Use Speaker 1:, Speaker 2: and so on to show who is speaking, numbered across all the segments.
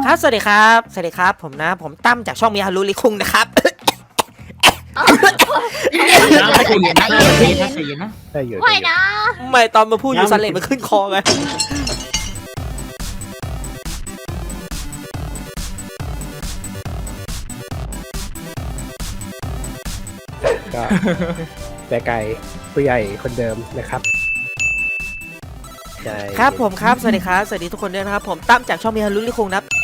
Speaker 1: ครับสวัสดีครับผมนะผมตั้มจากช่องมีฮารุลิคุงนะครับ
Speaker 2: ไม่นะ
Speaker 1: ไม่ตอนมาพูดอยู่ซันเลมันขึ้นคอไง
Speaker 3: ก็แต่ไก่ผู้ใหญ่คนเดิมนะครับ
Speaker 1: ครับผมครับสวัสดีทุกคนด้วยนะครับผมตั้มจากช่องมีฮารุลิคุงนะครับ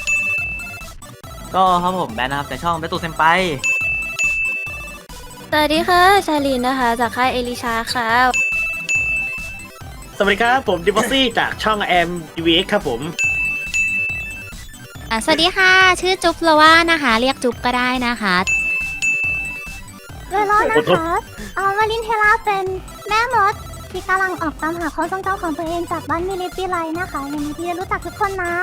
Speaker 4: ก็ครับผมแบนนะครับจากช่องเบตูเซมไป
Speaker 2: สวัสดีค่ะชาลินนะคะจากค่ายเอลิชาค่ะ
Speaker 5: สวัสดีครับผมดิบอสซี่จากช่องแอมดีวีเอ็กครับผม
Speaker 2: สวัสดีค่ะชื่อจุ๊บละว่านะคะเรียกจุ๊บก็ได้นะคะ
Speaker 6: เวลานะคะวาลินเทล่าเป็นแม่มดที่กำลังออกตามหาความทรงจำของตัวเองจากบ้านมิลิปิไลนะคะยินดีที่ได้รู้จักทุกคนนะ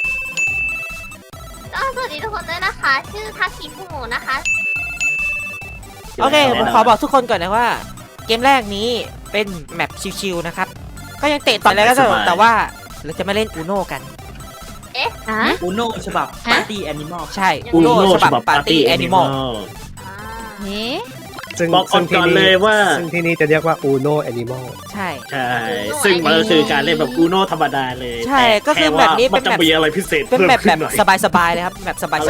Speaker 2: สวัสดีทุกคนด้วยนะคะชื่อทักษิคุโมะนะคะ
Speaker 1: โอเคผมขอบอกทุกคนก่อนนะว่าเกมแรกนี้เป็นแมปชิวๆนะครับก็ยังเตะต่อแล้วก็แต่ว่าเราจะไม่เล่นอูโน่กัน
Speaker 4: อูโน่ฉบับปาร์ตี้แอนิมอล
Speaker 1: ใช่อูโน่ฉบับปาร์ตี้แอนิมอล
Speaker 5: บอกก่อนเลยว่า
Speaker 3: ซึ่งที่นี่จะเรียกว่า Uno Animal
Speaker 1: ใช่
Speaker 5: ซึ่งมันก็คือการเล่นแบบอูโน่ธรรมดาเลย
Speaker 1: ใช่ก็คือแบบนี้
Speaker 5: มันจะมีอะไรพิเศษ
Speaker 1: เป็นแบบสบายๆเลยครับแบบสบายๆ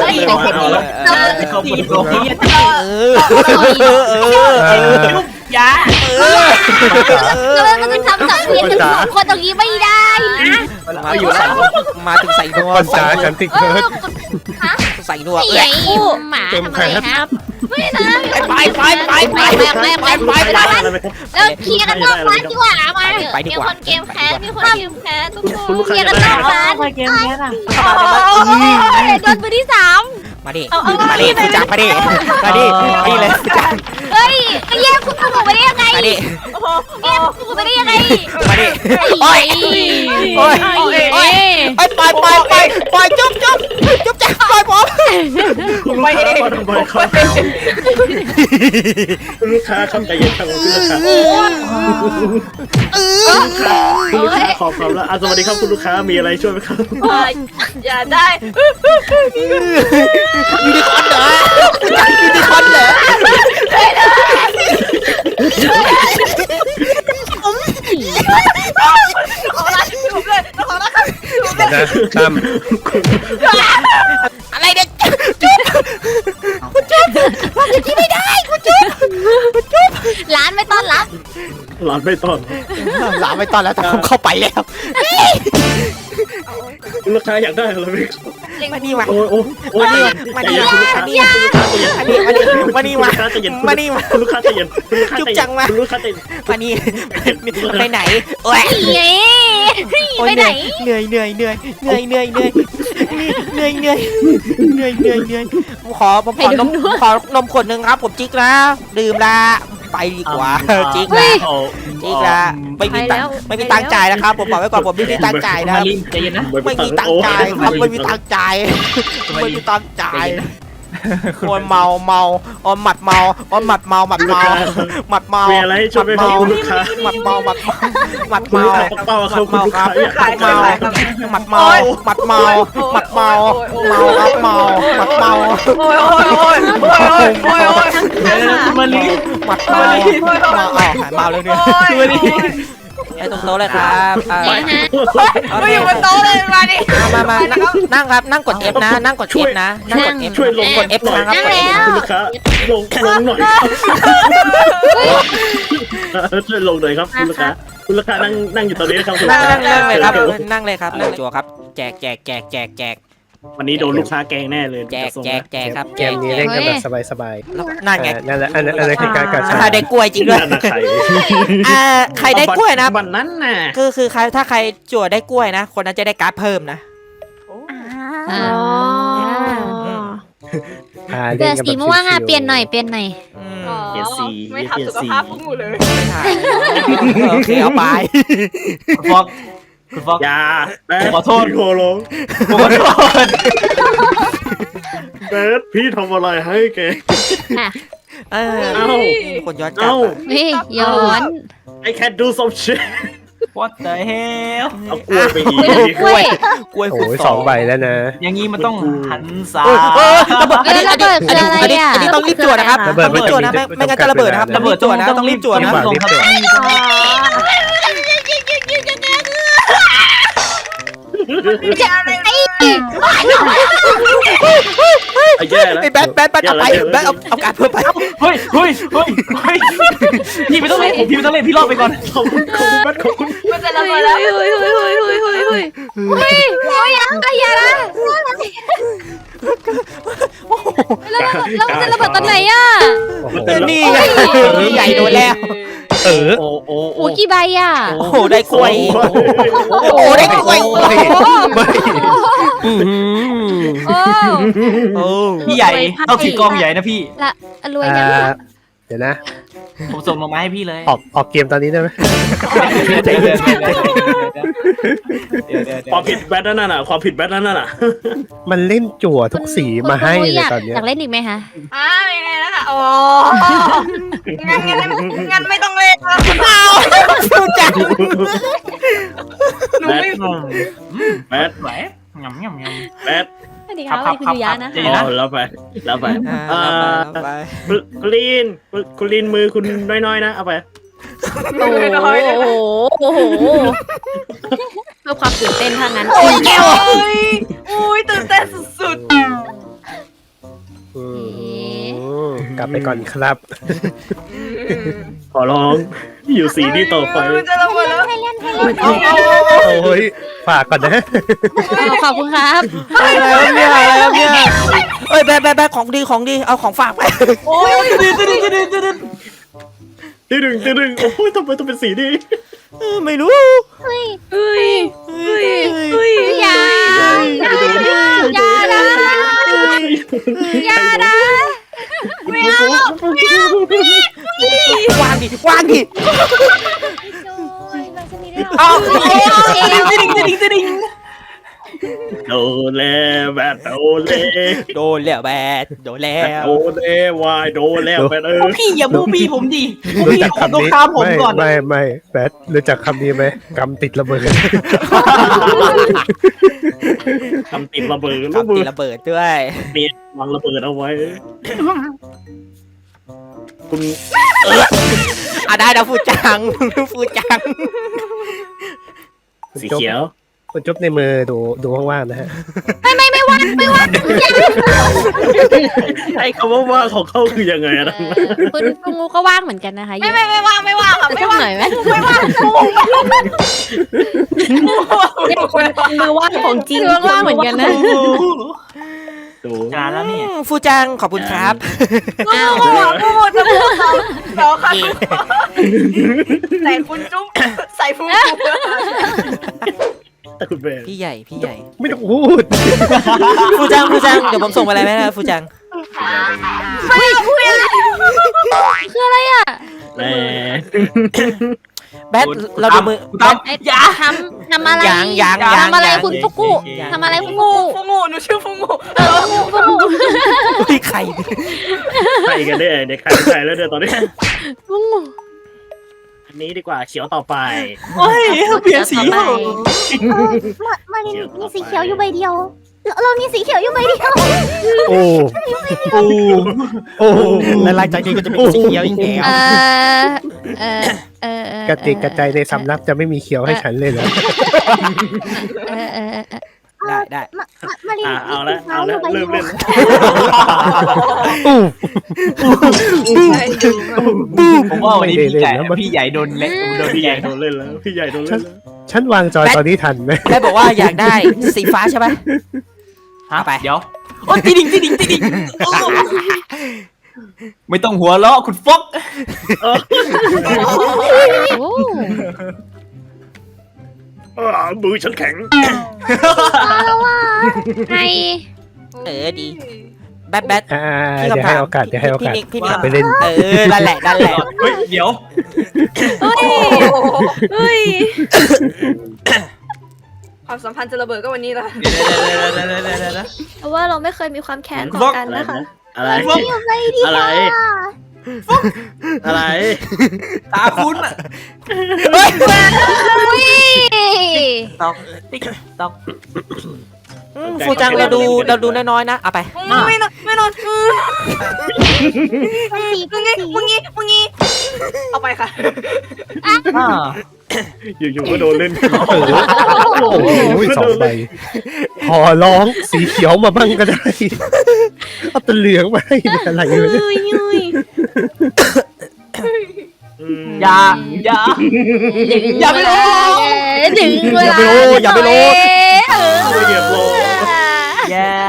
Speaker 2: อย่ามันจะทำสังเวียนถึงสองคนตรงนี้ไม่ได้นะ
Speaker 1: มาถึงใส่นัว
Speaker 3: ใส่ฉันติดเคิร์ด
Speaker 1: ใส่นัว
Speaker 2: หมาทำอะไรครับไม่นะ
Speaker 1: ไป
Speaker 2: แล้วเคลียร์กันนอกร้านดีกว่ามามีคนเกมแคสมีคนเกมแคสทุกคนเคลียร์กันนอกร้านเกมแคสอ่ะโดนมือที่3
Speaker 1: มาดิคุณจังมาดิเลยจัง
Speaker 2: เฮ้ยแยกคุณถูกไปได้ยังไง
Speaker 1: มาดิ
Speaker 2: แยกคุณถูกไปได้ยังไง
Speaker 1: มาดิโอ้ยปล่อยจุ๊บจังปล่อยผม
Speaker 5: ไม่ลูกค้าเข้าใจเย็นครับคุณลูกค้าขอบคุณแล้วสวัสดีครับคุณลูกค้ามีอะไรช่วยไหมครับ
Speaker 2: อย่าได้
Speaker 1: ยูนิคอร์นเหรอยูนิคอร์นเหรออะไรเด็กจุ๊บคุณจุ๊บว่าอย่างนี้ไม่ได้คุณจุ๊บ
Speaker 2: ร้านไม่ต้อนรับ
Speaker 5: ร้านไม่ต้อน
Speaker 1: แล้วแต่ผมเข้าไปแล้ว
Speaker 5: ลูกค้าอยากได้อะไรไหม
Speaker 1: มานี่มา
Speaker 5: มานี่มาลูกค้าใจเย็น
Speaker 1: จุ๊บจังมา
Speaker 5: ลูกค้าใจเย็น
Speaker 1: มานี่ไปไหนโอ้ย
Speaker 2: ไปไหน
Speaker 1: เหนื่อยขอนมขวดนึงครับผมจิ๊กนะดื่มละไปดีกว่าจิ๊กละไม่มีตังค์จ่ายนะครับผมบอกไว้ก่อนผมไม่มีตังค์จ่ายนะไม่มีตังค์จ่ายครับไม่มีตังค์จ่ายคนเมาออนหมัดเมา
Speaker 5: มีอะไรช่วยไหมครับลูกค้า
Speaker 1: หมัดเมาเลยเนี่ยไอ้ตรงโต๊ะเลยครับ
Speaker 2: ไม่อยู่บนโต๊ะเลยมาดิ
Speaker 1: มานั่งครับนั่งกด F นะนั่งกด F นะนั่งกด F
Speaker 5: ช่วยลง
Speaker 1: กด F นะครับ
Speaker 5: คุณลูกค้าลงหน่อยช่วยลงหน่อยครับคุณลูกค้านั่งอยู่ตอนนี้นะครับ
Speaker 1: นั่งเลยครับนั่งจั่วครับแจก
Speaker 5: วันนี้โดนลูกค้าแกงแน่เลย
Speaker 1: แจกครับ
Speaker 3: เกมนี้เล่นกันแบบสบาย
Speaker 1: นั่นไง
Speaker 3: นั่นแหละอันนั้นคือการกัด
Speaker 1: ได้กล้วยจริงด้วยใครได้กล้วยนะ
Speaker 5: บันนั้นน่ะ
Speaker 1: คือใครถ้าใครจั่วได้กล้วยนะคนนั้นจะได้การ์ดเพิ่มนะ
Speaker 2: เดี๋ยวสีม่วงอ่ะเปลี่ยนหน่อย
Speaker 5: เปลี่ยนสี
Speaker 2: ไม่ทำสุขภาพพวกหนูเลย
Speaker 1: โอเคเอาไป
Speaker 4: คุณฟอก
Speaker 5: อย่า
Speaker 4: ขอโทษ
Speaker 5: โคลงเบสพี่ทำอะไรให้แก
Speaker 1: คนย้อนกลับ
Speaker 2: ย้อน
Speaker 5: I can do some shit
Speaker 4: What the hell
Speaker 5: เอากล้วยไปอีก
Speaker 2: กล้วย
Speaker 1: กล้วย
Speaker 3: โอ้
Speaker 1: คูณ
Speaker 3: ย2 ใบแล้วนะ
Speaker 4: อย่างนี้มันต้องหันซ้า
Speaker 1: ระเบิดอันนี้
Speaker 2: ระเบิดคืออะไรอ่ะ
Speaker 1: อันนี้ต้องรีบจวดนะครับ
Speaker 3: ระเบิด
Speaker 1: ต้องรีบจวดนะไม่งั้นจะระเบิดนะครับ
Speaker 4: ระเบิด
Speaker 1: จวดนะต้องรีบจวดนะ
Speaker 3: ต้องรีบจวด
Speaker 5: ไอ้แย่แล้ว
Speaker 1: ไอ้แบทเอาไปแบทเอาการเพิ่มไป
Speaker 4: เฮ้ยพี่ไม่ต้องเล่นพี่รอดไปก่อน
Speaker 5: ขอบคุณบัตขอบคุณ
Speaker 2: มันจะระเบิดแล้วเฮ้ยอย่านะแล้วมันจะระเบิดตอนไหนอ่ะ
Speaker 3: โอ้โห
Speaker 1: นี่ไงพี่ใหญ่โดนแล้ว
Speaker 4: โอ้
Speaker 2: โอ้กี่ใบอ่ะ
Speaker 1: โอ้โหได้กล้วยโอ้โหได้กล้วย
Speaker 2: โอ้
Speaker 4: พี่ใหญ่ต้องถือกองใหญ่นะพี่
Speaker 2: ละรวยยัง
Speaker 3: เดี๋ยวนะ
Speaker 4: ผมส่งมาให้พี่เลย
Speaker 3: ออกเกมตอนนี้ได้ไหม
Speaker 5: ความผิดแบทนั่นน่ะความผิดแบทนั่นน่ะ
Speaker 3: มันเล่นจั่วทุกสีมาให้เลยตอนเนี้ย
Speaker 2: อยากเล่นอีกไหมคะ
Speaker 7: ไม่ไงแล้วค่ะโอ้งั้นไม่ต้องเล่นแล้ว
Speaker 1: ฟูจัง
Speaker 5: แบทแบท
Speaker 4: ไหวงำ
Speaker 5: แบท
Speaker 2: สวัสดีครับคุณยุยานะ
Speaker 5: อ๋อแล้วไปคุณลีนมือคุณน้อยๆนะเอาไป
Speaker 2: โอ้โหเพื่อความตื่นเต้นทางนั้น
Speaker 1: โอ้ยแก้ว
Speaker 7: อุ้ยตื่นเต้นสุด
Speaker 3: กลับไปก่อนครับ
Speaker 5: ขอร้องอยู่สีนี้ต่อไป
Speaker 7: จะระเบิดแล้ว
Speaker 3: โอ้ยฝากก่อนนะ
Speaker 2: ขอบคุณครับ
Speaker 1: อะไรเนี่ยเอ้ยแบทของดีเอาของฝากไป
Speaker 7: โอ้ย
Speaker 5: ที่หนึ่งโอ้ยทำไมต้องเป็นสีนี้
Speaker 1: ไม่รู้
Speaker 2: อย่านะ
Speaker 1: วางดิ
Speaker 2: 哦
Speaker 5: โดนแล้วแบทโดนแล้ว
Speaker 1: โดนแล้วแบทโดนแล้ว
Speaker 5: โดนแล้ววายโดนแล้วแบท
Speaker 4: พี่อย่าบูบี้ผมดิบู
Speaker 3: รู้
Speaker 4: บี้
Speaker 3: จัก
Speaker 4: ผม
Speaker 3: คำ
Speaker 4: ต้อง
Speaker 3: นี้
Speaker 4: ตามผมก่อน
Speaker 3: ไม่แบทรู้จักคำนี้ไหมกำติดระเบิด
Speaker 5: ทำติดระเบิด
Speaker 1: ทำตีระเบิดด้วย
Speaker 5: เมียวางระเบิดเอาไว้คุณ
Speaker 1: ได้นะฟูจัง
Speaker 5: สีเขียว
Speaker 3: คุณจุ๊บในมือดูว่างๆนะฮะ
Speaker 2: ไม่ว่าง
Speaker 5: ไอ้คำว่าว่างของเขาคือยังไงอะนะ
Speaker 2: คุณงูก็ว่างเหมือนกันนะคะ
Speaker 7: ไม่ว่างค่ะ
Speaker 2: ไม่ว่างหน่อยไหม
Speaker 7: ไม่ว่าง
Speaker 2: มือว่างของจริงว่างเหมือนกันนะ
Speaker 5: ดู
Speaker 4: จานแล้วนี่
Speaker 1: ฟูจังขอบคุณครับ
Speaker 7: พูดจะพูดต่อค่ะใส่คุณจุ๊บใส่ฟู
Speaker 5: แต่คุณเบน
Speaker 1: พี่ใหญ่
Speaker 3: ไม่ต้องพูด
Speaker 1: ฟูจังเดี๋ยวผมส่งไปอะไรไหมนะฟูจัง
Speaker 2: คืออะไรอ่ะ
Speaker 5: แหม
Speaker 1: แบทเราดูมือแบท
Speaker 2: อย่าทำอะไร
Speaker 1: ยัง
Speaker 2: ทำอะไรคุณฟุกุทำอะไรคุณฟุกุ
Speaker 7: ฟูงูหนูชื่อฟูงู
Speaker 1: พี่ไข่
Speaker 5: ใครกันเนี่ยเด็กใครแล้วเนี่ยตอนนี้
Speaker 2: ฟุกุ
Speaker 5: อันนี้ดีกว่าเขียวต่อไป
Speaker 4: โอ้ยเปลี่ยนสี
Speaker 2: ต่อไป
Speaker 6: มารินมีสีเขียวอยู่ใบเดียว เรามีสีเขียวอยู่ใบเดียว
Speaker 3: โอ้
Speaker 1: และหลังจากนี้ก็จะเป็นสีเขียวอีกแล้ว
Speaker 3: กระติกกระใจในสำนักจะไม่มีเขียวให้ฉันเลยเหรอ
Speaker 1: ได้
Speaker 6: มาริน
Speaker 5: เอาละเริ่มเล่น
Speaker 4: ผมว่าวันนี้พี่ใหญ่โดนเล็กโดน
Speaker 5: พี่
Speaker 4: ให
Speaker 5: ให
Speaker 4: ญ่
Speaker 5: ญ่โดนเล่นแล้วพี่ใหญ่โดนเล่นแล้ว
Speaker 3: ฉันวางจอยตอนนี้ทันไหม
Speaker 1: แบทบอกว่าอยากได้สีฟ้าใช่ไหม ไป
Speaker 4: เดี๋ยวโอ้ติดิงไม่ต้องหัวเราะคุณฟก
Speaker 5: มือฉันแข็ง
Speaker 2: ให้
Speaker 1: ดี แบท
Speaker 3: เดี๋ยวให้โอกาส
Speaker 1: พี่
Speaker 3: ไปเล่น
Speaker 1: นั่นแหละ
Speaker 4: เฮ้ยเดี๋ยว
Speaker 7: ความสัมพันธ์จะระเบิดก็วันนี้ละ
Speaker 2: เพราะว่าเราไม่เคยมีความแค้นต่อกันนะคะ
Speaker 5: อะไร
Speaker 6: อยู่ใบเดียว
Speaker 5: อะไรอะไร
Speaker 4: ตาคุณอ่ะ ตอกติ๊กตอก
Speaker 1: ฟูจังเราดูน้อยๆนะเอาไป
Speaker 7: ไม่นอนมึงงี้เอาไปค่ะ
Speaker 5: อยู่ๆก็โดนเล่น
Speaker 3: โอ้โห2 ใบขอร้องสีเขียวมาบ้างก็ได้เอาตัวเหลืองมาให้อะไรเลย
Speaker 4: อย่าไปลง
Speaker 2: ดึงเวลา
Speaker 1: อย่าไปโล
Speaker 5: ไม่เหยียบโล
Speaker 4: อย่า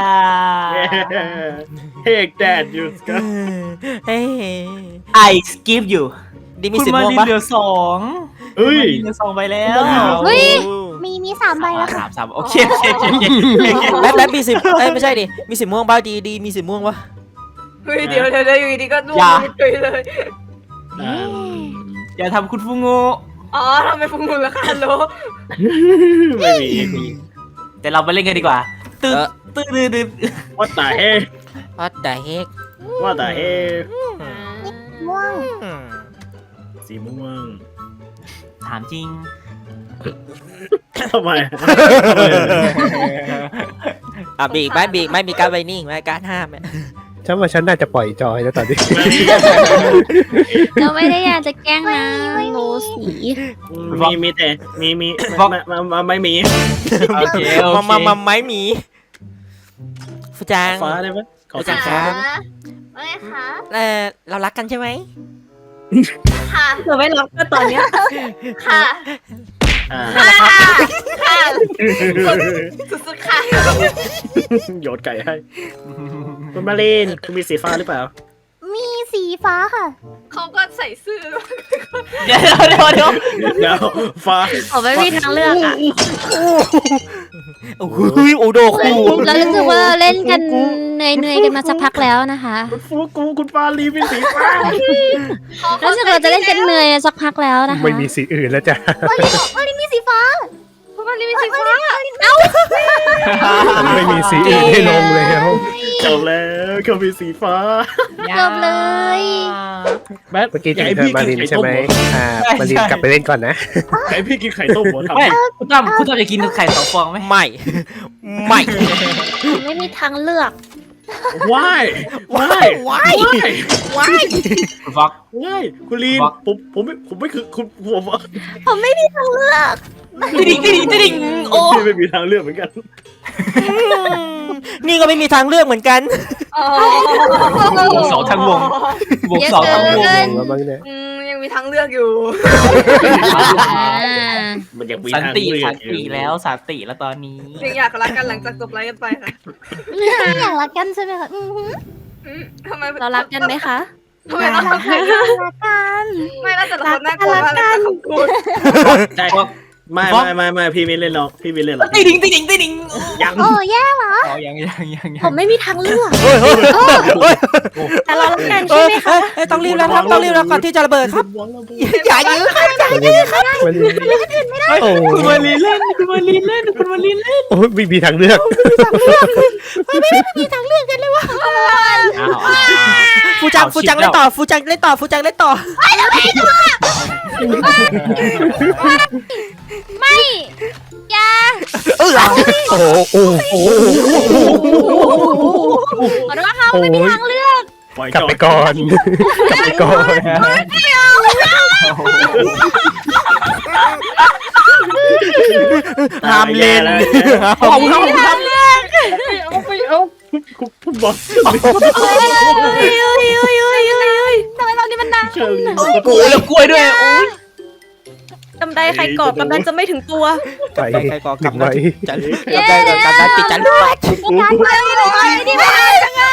Speaker 5: เฮกแดดอยู่กัน
Speaker 1: เฮ้ย
Speaker 4: I skip you
Speaker 1: ดีมี
Speaker 4: คุณ
Speaker 1: สิบ
Speaker 4: มา
Speaker 1: ม่วง
Speaker 4: ลิน
Speaker 1: ปะ
Speaker 4: เหลือ2
Speaker 5: เฮ้ย
Speaker 4: เหลือ2 ใบแล้ว
Speaker 2: เฮ้ย
Speaker 6: มี3 ใบแล้วค่ะ
Speaker 4: สามโอเค
Speaker 1: แบทมีสิบไม่ใช่ดิมีสิบม่วงบ้าดีมีสิบม่วงปะ
Speaker 7: เฮ้ยเดี๋ยวอยู่ดีก็ร่วงเลย
Speaker 4: อย่าทำคุณฟูโง
Speaker 7: อ๋อทำไมฟุ้งมือละคะโล
Speaker 5: ไม่มี
Speaker 4: แต่เราไปเล่นกันดีกว่าตึ๊ดตึ๊ด
Speaker 5: ว่าแต่เฮ
Speaker 1: วัดแต่เฮก
Speaker 5: ว่าแต่เฮ
Speaker 6: ม่วง
Speaker 5: สีม่วง
Speaker 4: ถามจริง
Speaker 5: ทำไม
Speaker 1: อ่ะบีกไม่มีการไวนิ่งไม่การห้าม
Speaker 3: ฉันว่าฉันน่าจะปล่อยจอยแล้วตอนนี้
Speaker 2: เราไม่ได้อยากจะแกล้งนะโลสี
Speaker 5: มีแต่มีไม่มี
Speaker 4: โอเค
Speaker 1: มาไม่มีฟูจัง
Speaker 5: ฟ้าได้ไหมขอ
Speaker 1: จั
Speaker 5: สี
Speaker 1: ง
Speaker 5: ฟ้า
Speaker 7: ไม่คะ
Speaker 1: เรารักกันใช่ไหม
Speaker 7: ค่ะ
Speaker 6: เธอไม่รับก็ตอนเนี้ย
Speaker 7: ค่ะ ค่ะสุดๆค่ะ
Speaker 5: โยนไก่ให้คุณมาเล่นคุณมีสีฟ้าหรือเปล่า
Speaker 6: มีสีฟ้าค่ะ
Speaker 7: เขาก็ใส่เสื้อ
Speaker 4: เดี๋ยว
Speaker 5: เดี๋ยวฟ้า
Speaker 2: ผมไม่มีทางเลือกอ่ะ
Speaker 1: โอ้โหโอโดคู
Speaker 2: เรารู้สึกว่าเราเล่นกันเหนื่อยกันมาสักพักแล้วนะคะ
Speaker 5: คุณฟูกูคุณฟ้าลีเป็นสีฟ้า
Speaker 2: รู้สึกเราจะเล่นกันเหนื่อยสักพักแล้วนะคะ
Speaker 3: ไม่มีสีอื่นแล้วจ้ะ
Speaker 6: มาลินมีสีฟ้า
Speaker 7: มันมีสีฟ้า
Speaker 3: ไม่มีสีอื่นให้ลงแล้ว
Speaker 5: จบแล้วเขามีสีฟ้า
Speaker 2: จบเลย
Speaker 5: แบท
Speaker 3: เมื่อกี้ถึงเธอมารินใช่ไหมมารินกลับไปเล่นก่อนนะ
Speaker 5: ไอพี่กินไข่ต้มหัวทำ
Speaker 4: ไม่คุณตั้มจะกินไข่2 ฟองไหม
Speaker 1: ไม่
Speaker 2: ไม่มีทางเลือก
Speaker 5: ว้าย
Speaker 4: คุณฟอก
Speaker 5: ว้ายคุณลีนผมไม่คือคุณผม
Speaker 2: ผมไม่มีทางเลือก
Speaker 4: ติ๊งโอ้
Speaker 5: พี่ไม่มีทางเลือกเหมือนกัน
Speaker 1: นี่ก็ไม่มีทางเลือกเหมือนกัน
Speaker 4: บวก2 ทั้งวงบวก2 ทั้งวง
Speaker 3: แล้วบ้างเนี่ย
Speaker 7: ยังมีทางเลือกอยู่
Speaker 5: มันยังมี
Speaker 4: สัน
Speaker 5: ทาง
Speaker 4: ติ
Speaker 5: เลือก
Speaker 4: สันติแล้วสันติแล้วตอนนี้
Speaker 7: ยังอยากรักกันหลังจากจบไลฟ์กันไปค่ะ
Speaker 6: อยากรักกันใช่ไหมคะ
Speaker 7: ทำไม
Speaker 2: เรารักกันไหมคะ
Speaker 7: ทำไมเรารักกัน
Speaker 6: รักกัน
Speaker 7: ไม่แล้วแต่ละคนน่ากลัวมากเลยค่ะคุณ
Speaker 5: ใช่ไม่พี่ไม่เล่นหรอกพี่ไม่เล่นหรอก
Speaker 4: ติ๊ง
Speaker 5: ยัง
Speaker 6: โอ้แย่เหรอ
Speaker 4: อ๋อยัง
Speaker 2: ผมไม่มีทางเลือก
Speaker 1: เฮ้ย
Speaker 2: แต่เรารักกันใช่ไหมคะ
Speaker 1: ต้องรีบแล้วครับต้องรีบแล้วก่อนที่จะระเบิดครับอย่ายื้อ
Speaker 3: มันโอ้
Speaker 4: คุณมาลีเล่น
Speaker 3: โอ้ไม่มีทางเลือก
Speaker 1: ฟูจังเล่นต่อฟูจังเล่นต่อ
Speaker 2: ไม่อย่า
Speaker 3: โอ้โอ้
Speaker 2: ขอโทษค่ะไม่มีทางเลือก
Speaker 5: ปล่อย
Speaker 3: กลับไปก่อนกลับไปก่อน
Speaker 1: ห้ามเล่น
Speaker 5: คุณบอก
Speaker 6: ทำไมเรานี่มันดัง
Speaker 5: เชอรี่
Speaker 4: แล้วกล้วยด้วยโอ้ย
Speaker 7: กำไดใครกรอบกำนันจะไม่ถึงตัว
Speaker 3: ไป
Speaker 1: ใครก่อ
Speaker 3: หนึ่งไว้
Speaker 1: จันได้การปิดจัน
Speaker 6: การไปเลยนี่ไม่ได้จังอ่ะ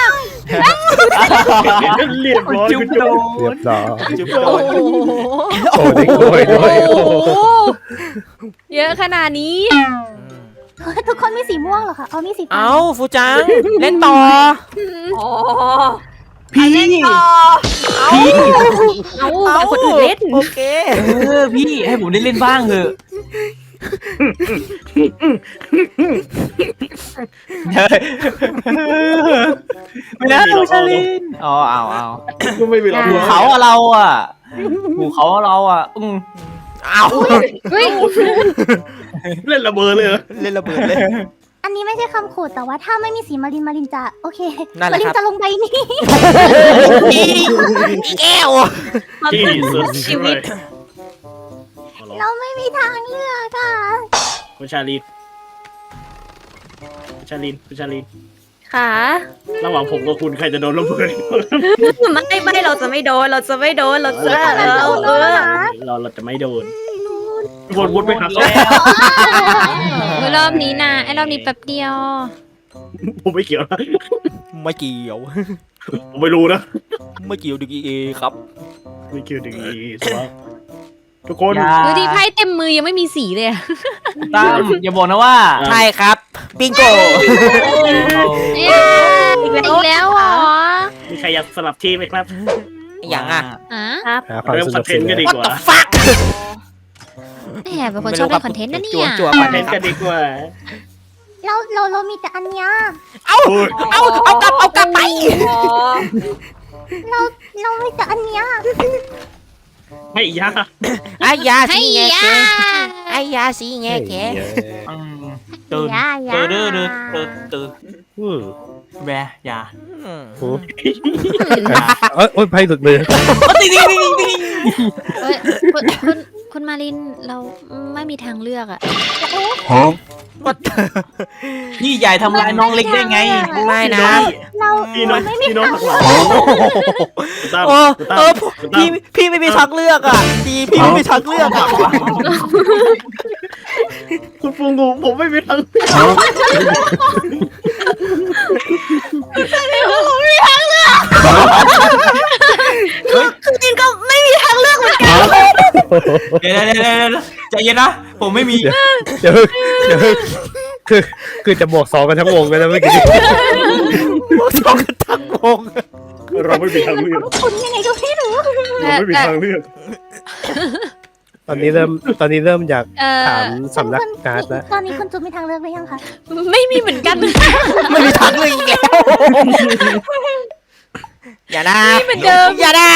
Speaker 5: เรียบร้อย
Speaker 4: จุ๊บโด
Speaker 3: เรีย
Speaker 4: น
Speaker 3: บร้อย
Speaker 1: จุ๊บโดน
Speaker 3: โอ้ได้กล้วยด้วยโอ้
Speaker 2: เยอะขนาดนี้
Speaker 6: ทุกคนมีสีม่วงเหรอคะมีสีฟ้า
Speaker 1: เอาฟูจังเล่นต่อ
Speaker 7: อ๋อ
Speaker 4: พี่
Speaker 2: เอาเอาคนอื่นเล่น
Speaker 1: โอเค
Speaker 4: พี่ให้ผมได้เล่นบ้างเถอะไม่ได้ชาลินอ๋อเอา
Speaker 5: ก็ไม่มีหรอก
Speaker 4: หูเขาอะเราอะหูเขาเราอะ
Speaker 1: เอา
Speaker 2: เฮ้ย
Speaker 5: เล่นระเบิดเลย
Speaker 1: เล่นระเบิดเลย
Speaker 6: อันนี้ไม่ใช่คำขู่แต่ว่าถ้าไม่มีสีมารินจะโอเค
Speaker 1: นั่นแห
Speaker 6: มา
Speaker 1: ละ
Speaker 6: ริ
Speaker 1: คน รับ
Speaker 6: จะลงใบนี้
Speaker 1: อีแก้ว
Speaker 5: ที่สุด
Speaker 2: ชีวิต
Speaker 6: เราไม่มีทางเลือกอ่ะ
Speaker 5: คุณชาลิน
Speaker 2: ค่ะ
Speaker 5: ระหว่างผมกับคุณใครจะโดนระเบิด
Speaker 2: ไม่เราจะไม่โดนเราจะเราจะ
Speaker 5: เราจะไม่โดนวนไปหาเขา
Speaker 2: รอบนี้นะไอ้รอบนี้แป๊บเดียว
Speaker 5: ผมไม่เกี่ยวนะ
Speaker 1: ไม่เกี่ยว
Speaker 5: ผมไม่รู้นะ
Speaker 1: ไม่เกี่ยวดึกเอครับ
Speaker 5: ไม่เกี่ยวดึงอีสวะทุกคน
Speaker 2: ดูดิไพ่เต็มมือยังไม่มีสีเลย
Speaker 4: ตั้มอย่าบอกนะว่า
Speaker 1: ใช่ครับบิงโก
Speaker 2: อีกแล้วเหรอ
Speaker 5: มีใครอยากสลับทีมไหมครับ
Speaker 1: อย่างอ่ะ
Speaker 2: ครับ
Speaker 3: หาความ
Speaker 5: เริ่ม
Speaker 3: ส
Speaker 5: คอ
Speaker 3: นุ
Speaker 5: น
Speaker 3: ก
Speaker 5: เท
Speaker 3: ส
Speaker 5: นต์
Speaker 3: นา
Speaker 5: กัน
Speaker 3: น
Speaker 5: ดี
Speaker 1: What
Speaker 5: ก
Speaker 1: the
Speaker 5: ว่า
Speaker 1: fuck
Speaker 2: แหมเป็นคนชอบเล่นคอนเทนต์นะเนี่ย
Speaker 1: จั่ว
Speaker 5: ค
Speaker 1: ไป
Speaker 5: อนเทนต์
Speaker 1: ค
Speaker 5: กั
Speaker 1: รับ
Speaker 5: นดีกว่า
Speaker 6: เรามีแต่อันเนี้ย
Speaker 1: เอากลับไป
Speaker 6: เรามีแต่อันเนี้ย
Speaker 5: ไม่ยาก
Speaker 1: ไอ้ยา
Speaker 2: ให้
Speaker 1: สีแง
Speaker 2: ยา
Speaker 1: แกไอ้ยาสีแงแก
Speaker 4: ตื่น
Speaker 6: ยา
Speaker 4: ตื่น
Speaker 3: อืม
Speaker 4: แบยา
Speaker 3: โอ้โอ้ยไพ่หลุดมือ
Speaker 2: คุณมารินเราไม่มีทางเลือกอ่ะ
Speaker 4: นี่ใหญ่ทำลายน้องเล็กได้ไง
Speaker 1: ไม่นะ
Speaker 6: เรา
Speaker 5: พี่น้อง
Speaker 6: ไม่มี
Speaker 5: พี่น้อง
Speaker 6: ทาง
Speaker 5: หักห
Speaker 6: เลื
Speaker 5: ลั
Speaker 6: อง ก
Speaker 1: เออพี่ไม่มีทางเลือกอ่ะพี่ไม่มีทางเลือกอ่ะ
Speaker 5: คุณฟูงูผมไม่มีทาง
Speaker 4: เดี๋ยวใจเย็นนะ ผมไม่มี
Speaker 3: เดี๋ยวคือจะบวก2กันทั้งวงกันแล้วเมื่อกี้
Speaker 1: สองกันทั้งวง
Speaker 5: เราไม่มีทางเลือก
Speaker 6: คุณยังไงก็ไม่รู้
Speaker 5: เราไม่มีทางเลือก
Speaker 3: ตอนนี้เริ่มอยากถามสำนักการ์ดแล้ว
Speaker 6: ตอนนี้คุณจุ๊บมีทางเลือกหรือยังคะ
Speaker 2: ไม่มีเหมือนกัน
Speaker 1: ไม่มีทางเลือกอีกแล้วอย่านะ
Speaker 2: เหมือนเดิม
Speaker 1: อย่านะ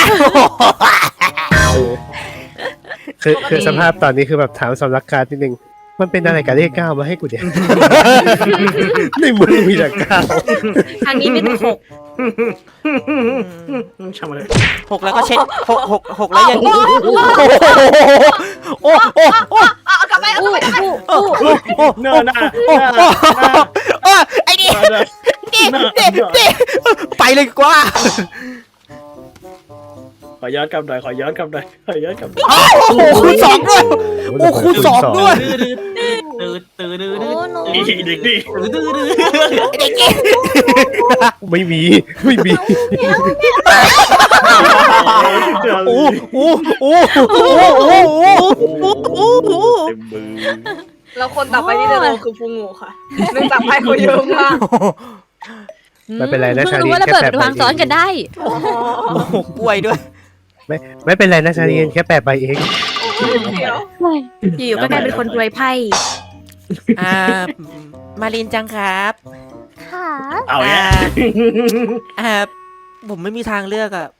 Speaker 3: คือสภาพตอนนี้คือแบบถามสำนักการ์ดนิดนึงมันเป็นอะไรกับเลข 9มาให้กูเนี่ยในมือมีแต่9
Speaker 2: ทางนี้ไม่ต้องหก
Speaker 5: ช่างมันเลย
Speaker 1: 6แล้วก็เช็ดหกแล้วยังโอ้
Speaker 7: เอากลับไปเอากลับไป
Speaker 5: หน้า
Speaker 1: ไอ้นี่ไปเลยกว่า
Speaker 5: ขอย้อนกลับหน่อย
Speaker 1: โอ้คูณสองด้วยโอ้คูณสองด้วย
Speaker 4: ตื่น
Speaker 2: โอ้โน
Speaker 5: อีเด็กดิ
Speaker 1: เด็กเก๋
Speaker 3: ไม่มี
Speaker 1: โอ้
Speaker 5: เต็มมือ
Speaker 7: แล้วคนต่อไปที่จะโดนคือฟูงูค่ะเนื่องจากไพ่เขาเยอะมาก
Speaker 3: ไม่เป็นไรนะชาลี
Speaker 2: รู้ว่าระเบิดวางซ้อนกันได้
Speaker 1: ป่วยด้วย
Speaker 3: ไม่เป็นไรนะชาลีแค่8 ใบเอง
Speaker 7: เดี๋ยว
Speaker 2: อยู่ก็กลายเป็นคนรวยไพ่
Speaker 1: มารินจังครับ
Speaker 6: ค่ะ
Speaker 5: เอาแย่
Speaker 1: ผมไม่มีทางเลือกอ่ะ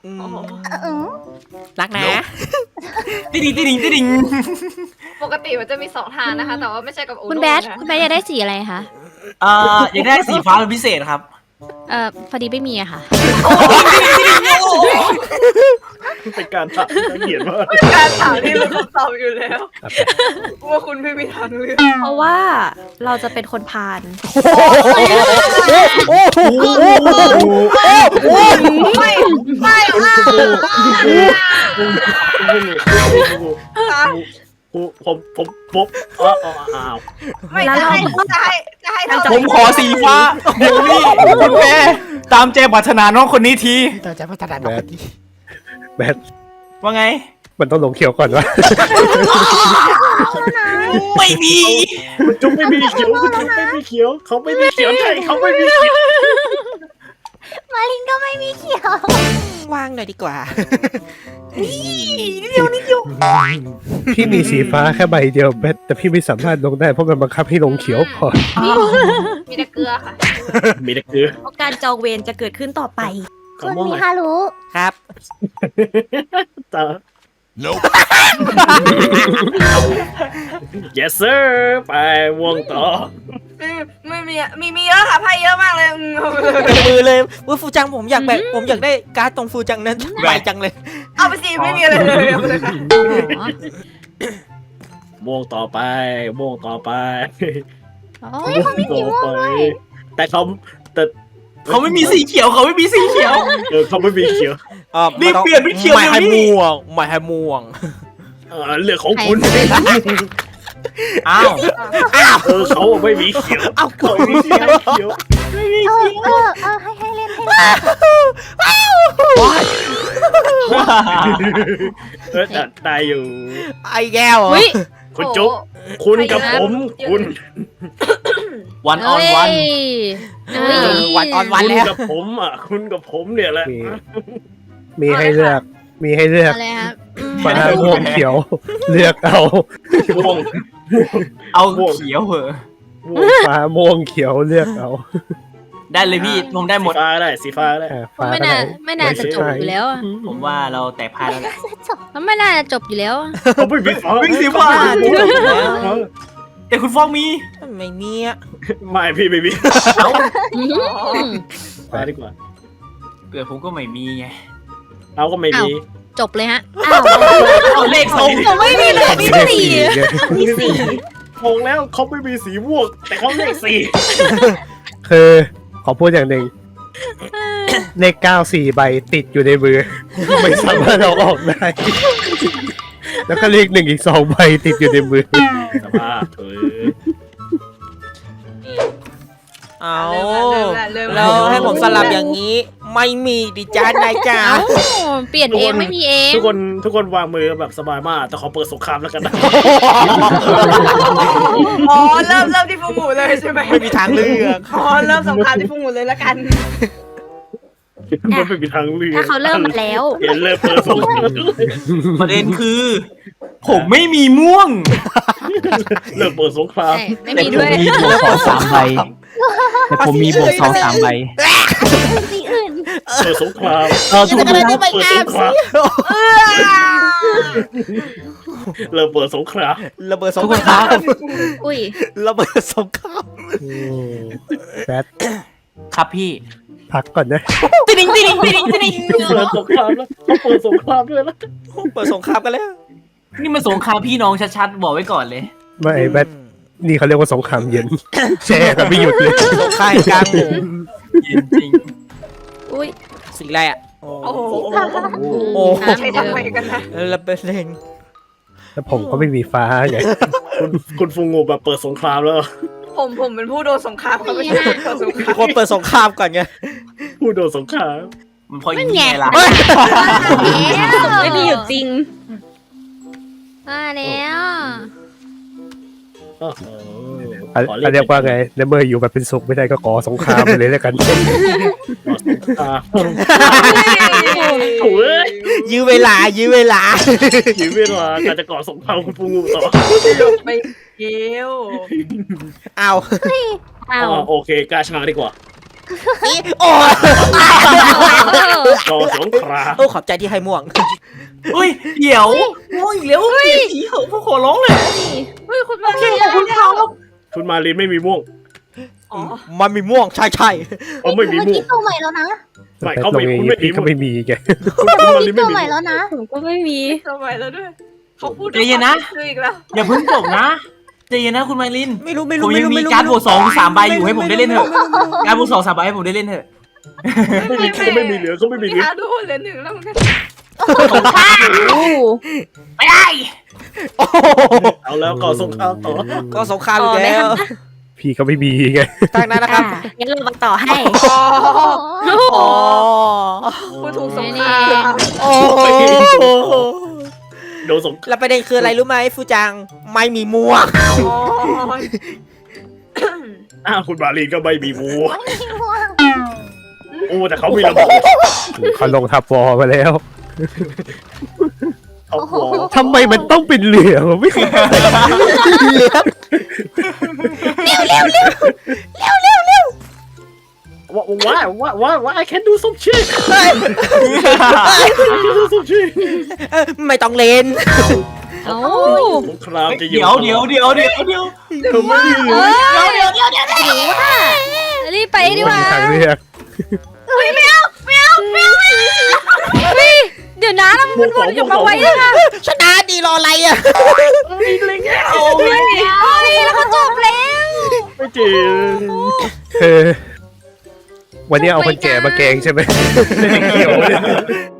Speaker 1: รักนะ
Speaker 4: ติ่ง
Speaker 7: ปกติมันจะมี2ทางนะคะ แต่ว่าไม่ใช่กับโอโน่
Speaker 2: คุณแบท
Speaker 7: นะ
Speaker 2: คุณแบทอยากได้สีอะไรคะ
Speaker 4: อยากได้สีฟ้าเป็นพิเศษครับ
Speaker 2: พอดีไม่มีอะค่ะ
Speaker 5: เป็นการถามละเอียดมาก
Speaker 7: การถามที่รู้คำตอบอยู่แล้วว่าคุณไม่มีทางเลือก
Speaker 2: เพราะว่าเราจะเป็นคนพาล
Speaker 7: ไม่
Speaker 5: อ้าว
Speaker 7: ไม่จะให้เรา
Speaker 4: ผมขอสีฟ้าเดี๋ยวนี้คุณแม่ตามใจปรารถนาน้องคนนี้ที
Speaker 1: ต่อจากพัฒนาดอกดี
Speaker 3: แบท
Speaker 4: ว่าไง
Speaker 3: มันต้องลงเขียวก่อนวะ
Speaker 4: ไม่มี
Speaker 5: คุณจุ๊บไม่มีเขียวเขาไม่มีเขียวใช่เขาไม่มีเขียว
Speaker 6: มารินก็ไม่มีเขียว
Speaker 1: ว่างหน่อยดีกว่า
Speaker 3: พี่มีสีฟ้าแค่ใบเดียวแต่พี่ไม่สามารถลงได้เพราะมันบังคับให้ลงเขียวพอ
Speaker 2: มีแต่เกลือค่ะ
Speaker 5: มีแต่เกลือ
Speaker 7: เพราะการจองเวรจะเกิดขึ้นต่อไป
Speaker 6: คุณมิฮารุ
Speaker 1: ครับ
Speaker 5: ต่อ yes sir ไปวงต่อ
Speaker 7: ไม่มีเยอะค่ะไพ่เยอะมากเลย
Speaker 1: เต็มมือเลยว่าฟูจังผมอยากแบบผมอยากได้การ์ดตรงฟูจังนั้นใบจังเลย
Speaker 7: เอาไปสิไม่มีอะไรเลยเอาไปเลยค่ะ
Speaker 5: วงต่อไปวงต่อไป
Speaker 2: อ๋อ
Speaker 5: วงต่อไปแต่เขา
Speaker 4: เขาไม่มีสีเขียวเขาไม่มีสีเขียว
Speaker 5: เขาไม่มีเขียว
Speaker 4: รีบเปลี่ยนเป็นเขียว
Speaker 1: ไม่ให้
Speaker 4: เดี๋ยวนี้
Speaker 1: ม่วงไม่ให้ม่วง
Speaker 5: เรื่องของคุณ
Speaker 4: อ้าว
Speaker 5: เขาไม่มีเขียวเขาไม่มีเขียว
Speaker 6: ให้เล่นให้เล่น
Speaker 5: ได้อยู่
Speaker 1: ไอ้แก้ว
Speaker 2: อุ้ย
Speaker 5: คุณจุ๊บคุณกับผมคุณ
Speaker 4: วันออนวัน
Speaker 1: วันออนวัน
Speaker 5: คุณ
Speaker 1: แล้ว
Speaker 5: กับผมคุณกับผมเนี่ยแหละ
Speaker 3: มีให้เลือก
Speaker 2: อะไรครับ
Speaker 3: ฟ้าม่วงเขียวเลือกเอา
Speaker 5: ม่วง
Speaker 4: เอาเขียวเหอะ
Speaker 3: ฟ้าม่วงเขียวเลือกเอา
Speaker 4: ได้เลยพี่ผมได้หมด
Speaker 5: สีฟ้าได้สีฟ้าได้
Speaker 3: ฟ้า
Speaker 2: ไม่
Speaker 3: ก็
Speaker 2: น่า
Speaker 3: ได้
Speaker 2: ไม่น่าจะจบอยู่แล้วอะ
Speaker 4: ผมว่าเราแตกพายแล้วแหละ
Speaker 2: มันไม่น่าจะจบอยู่แล้วอะ
Speaker 5: เขาไม่มีฟ้า
Speaker 4: วิ่งสีฟ้าแต่คุณฟองมี
Speaker 1: ไม่มีอะ
Speaker 5: ไม่พี่ไม่มี
Speaker 4: เอ้า
Speaker 5: ฟ้าดีกว่า
Speaker 4: เกิดผมก็ไม่มีไง
Speaker 5: เราก็ไม่มี
Speaker 2: จบเลยฮะ
Speaker 4: เอาเลขสอง
Speaker 2: ผมไม่มีเลยมี
Speaker 3: เลข
Speaker 2: สี่
Speaker 3: มีสี่
Speaker 5: งงแล้วเขาไม่มีสีม่วงแต่เขาเลขสี
Speaker 3: คือขอพูดอย่างหนึ่งเลข94ใบติดอยู่ในมือ ไม่สามารถเอาออกได้ แล้วก็เลข1อีก2ใบติดอยู่ในมือ
Speaker 5: สภาพ
Speaker 1: เอา
Speaker 7: เริ่ม
Speaker 1: แล้วให้ผมสลับอย่างนี้ ไม่มีดิจ้านายจ๋า
Speaker 2: เอ้าเปลี่ยนเองไม่มีเอง
Speaker 5: ทุกคนวางมือแบบสบายมากแต่ขอเปิดสงครามแล้วกันนะ
Speaker 7: อ๋อเริ่มที่ฟูงูเลยใช่ไหม
Speaker 1: ไม่มีทางเลือก
Speaker 7: อ๋อเริ่มสงครามที่ฟูงูเลยละกัน
Speaker 5: มันไม่มีทางเลือก
Speaker 2: ถ้าเขาเริ่มมาแล้ว
Speaker 5: เห็นเริ่มเปิดสงคราม
Speaker 4: ประเด็นคือ ผมไม่มีม่วง
Speaker 5: เริ่มเปิดสงคราม
Speaker 2: ใช่ไม่มีด้วย
Speaker 4: มีบวก2-3 ใบแต่ผมมีบวก2-3 ใบ
Speaker 6: สีอื่น
Speaker 5: เปิดสงคราม
Speaker 1: ถูกแล้ว
Speaker 5: เปิดสงครามเริ่มเปิดสงคราม
Speaker 1: ระเบิดสงคราม
Speaker 2: อุ้ย
Speaker 1: ระเบิดสงคราม
Speaker 3: แบท
Speaker 4: ครับพี่
Speaker 3: พักก่อนนะ
Speaker 4: ติดิงติดิงติดิงติดิง
Speaker 5: เปิดสงครามแล้วเขาเปิดสงครามด้วยแล้ว
Speaker 1: เปิดสงครามกันแล้ว
Speaker 4: นี่มันสงครามพี่น้องชัดๆบอกไว้ก่อนเลย
Speaker 3: ไม่แบทนี่เขาเรียกว่าสงครามเย็น แช่กันไม่หยุดเลย
Speaker 1: สงครามกลางหมู่
Speaker 4: จริง
Speaker 2: อุ้ย
Speaker 1: สีอะไรอ่ะ
Speaker 7: โอ้โห
Speaker 1: โอ้
Speaker 2: น้ำ
Speaker 7: ใคร
Speaker 2: เดิ
Speaker 7: ทำ
Speaker 2: ม
Speaker 7: ไมกันนะ
Speaker 1: ระเบิดเล่น
Speaker 3: แล้วผมก็ไม่มีฟ้าไง
Speaker 5: คุณฟูงูแบบเปิดสงครามแล้ว
Speaker 7: ผมเป็นผู้โดนสงครามเขาไม่ใช่ผู้โดนสงคราม
Speaker 1: คนเปิดสงครามก่อนไง
Speaker 5: ผู้โดนสงคราม
Speaker 4: มันพออย่างนี้ไงล่ะ
Speaker 2: ไม่มีอยู่จริงมาแล้ว
Speaker 5: โอ้โห
Speaker 3: เขาเรียกว่าไงในเมื่ออยู่แบบเป็นสุขไม่ได้ก็ขอสงครามไปเลยแล้วกัน
Speaker 5: โอ้ย
Speaker 1: ยื้อเวลายื้อเวลา
Speaker 5: ถึงเวลาการจะก่อสงครามคุณฟูงูต่อ
Speaker 7: ไปเกี้ยว
Speaker 1: เอา
Speaker 2: อ้าว
Speaker 5: โอเคกาชาดีกว่า
Speaker 1: โอ้
Speaker 5: ก่อสงคราม
Speaker 1: โอ้ขอบใจที่ให้ม่วง
Speaker 4: อุ้ยเดี๋ยวม่วงอีกแล้วเปลี่ยนสีเหอะพวกขอร้องเลย
Speaker 2: เฮ้ยคุณมา
Speaker 7: เกี้ยวคุณเขา
Speaker 5: คุณมาลินไม่มีม่วง
Speaker 7: อ๋อ
Speaker 1: มันมีม่วงใช่ใช่
Speaker 5: เขาไม่มี
Speaker 6: เมื่อ
Speaker 5: ม่ว
Speaker 6: กี้
Speaker 5: ง
Speaker 6: ตัวใหม่แล้วนะ
Speaker 5: ไม่
Speaker 3: แต่
Speaker 5: เขา
Speaker 3: ตรง
Speaker 5: ไม่
Speaker 3: นี้
Speaker 5: คุณไม่มี
Speaker 3: พี่ก็ไม่มีไง
Speaker 5: คุณมาลินไม่
Speaker 6: ตัว
Speaker 5: มี
Speaker 6: ใหม่แล้วนะ
Speaker 2: ผมก็ไม่มี
Speaker 7: ทำไมแล้วด้วยเขาพูด
Speaker 4: ใจเย็นนะ
Speaker 7: คืออีกแล้ว
Speaker 4: อย่าเพิ่งจบนะใจเย็นนะคุณไมลิน
Speaker 1: ไม่รู้ไม่
Speaker 4: ผ
Speaker 1: รู้
Speaker 4: ม
Speaker 1: ไม่
Speaker 4: ยัง
Speaker 1: รู้
Speaker 4: มี
Speaker 1: ไม่รู้
Speaker 4: การ์ดบวก2-3 ใบอยู่ให้ผมได้เล่นเถอะการ์ดบวก2-3 ใบให้ผมได้เล่นเถอะ
Speaker 5: เขาไม่มีเหลือเขาไม่มีเหลือ
Speaker 7: อาดูเหลือหนึ่งแล้วมันก็
Speaker 4: ไม่ได้
Speaker 1: โอ้
Speaker 5: เอาแล้วก่อสงครามต่อ
Speaker 1: ก็สงครามอีกแล้ว
Speaker 3: พี่ก็ไม่มีไง
Speaker 1: ตั้งนั้นนะครับ
Speaker 2: งั้นเรามาต่อให้
Speaker 1: อ๋อ
Speaker 7: ผู้ถูกสงคราม
Speaker 1: โอ้
Speaker 5: โดนสงคราม
Speaker 1: แล้วประเด็นคืออะไรรู้ไหมฟูจังไม่มีม่วง
Speaker 5: คุณมาลินก็ไม่มีม่วง
Speaker 6: ไม่มีห่วง
Speaker 5: โอ้แต่เขามีระเบิด
Speaker 3: เขาลงทับวอลมาแล้ว
Speaker 5: ท็อปวอล
Speaker 3: ทำไมมันต้องเป็นเหลืองวะไม่เข้าใจ
Speaker 5: ว่า I can do some shit
Speaker 1: ไม่ต้องเลน
Speaker 2: เอ้า
Speaker 5: สงครามจะอยู่
Speaker 4: เดี๋ยว
Speaker 2: หรือว่ารีบไปดีกว่า
Speaker 3: ทางเลือก
Speaker 2: เฮ้ยเดี๋ยวนะเรามันวนอยู่มาไว้เลยค่ะ
Speaker 1: ชนะดีรออะไรอ่ะ
Speaker 2: เฮ้ยแล้วก็จบแล้ว
Speaker 5: ไม่จริง
Speaker 3: คือวันนี้เอาคนแก่มาแกงใช่ไหมไม่ได้เกี่ยวเลย